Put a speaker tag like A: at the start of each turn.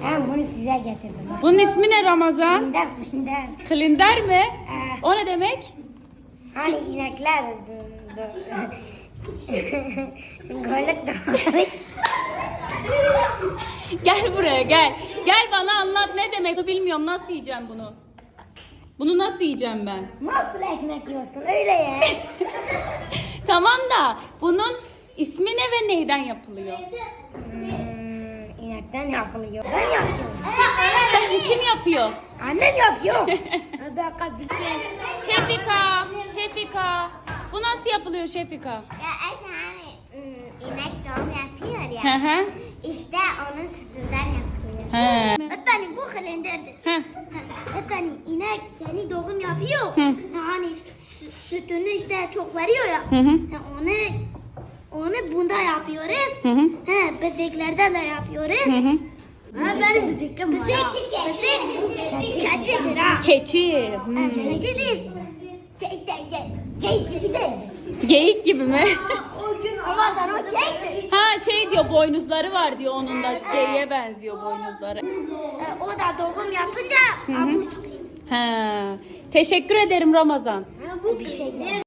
A: Ben bunu size getirdim.
B: Bunun ismi ne Ramazan?
A: Klinder.
B: Klinder mi? O ne demek?
A: Hani inekler. Golük de.
B: Gel buraya gel. Gel bana anlat ne demek? Bilmiyorum nasıl yiyeceğim bunu. Bunu nasıl yiyeceğim ben?
A: Nasıl ekmek yiyorsun öyle ya?
B: Tamam da bunun ismi ne ve neyden yapılıyor?
A: İnekten yapılıyor. Ben yapıyorum.
B: Kim yapıyor?
A: Annem yapıyor.
B: Şefika. Bu nasıl yapılıyor Şefika?
C: Ya hani inek doğum yapıyor
B: Hı
C: ya.
B: hı.
C: İşte onun sütünden yapılıyor.
B: He.
C: Öğretmenim bu kalenderdir.
B: Heh.
C: Öğretmenim inek yeni doğum yapıyor.
B: Hı.
C: Yani sütünü işte çok veriyor ya.
B: Hı hı.
C: Onu bunda yapıyoruz.
B: Hı hı.
C: Bezeklerden de yapıyoruz.
B: Hı hı.
C: Benim bezekim var. Bezek. Keçidir ha.
B: Keçi.
C: Keçidir.
A: Şey gibi de.
B: Geyik gibi mi?
C: Ama sen o çektir.
B: Ha şey diyor boynuzları var diyor onun da geyiğe benziyor boynuzları.
C: O da doğum yapınca avuç çıkıyor.
B: He. Teşekkür ederim Ramazan.
C: Bu bir şeyler.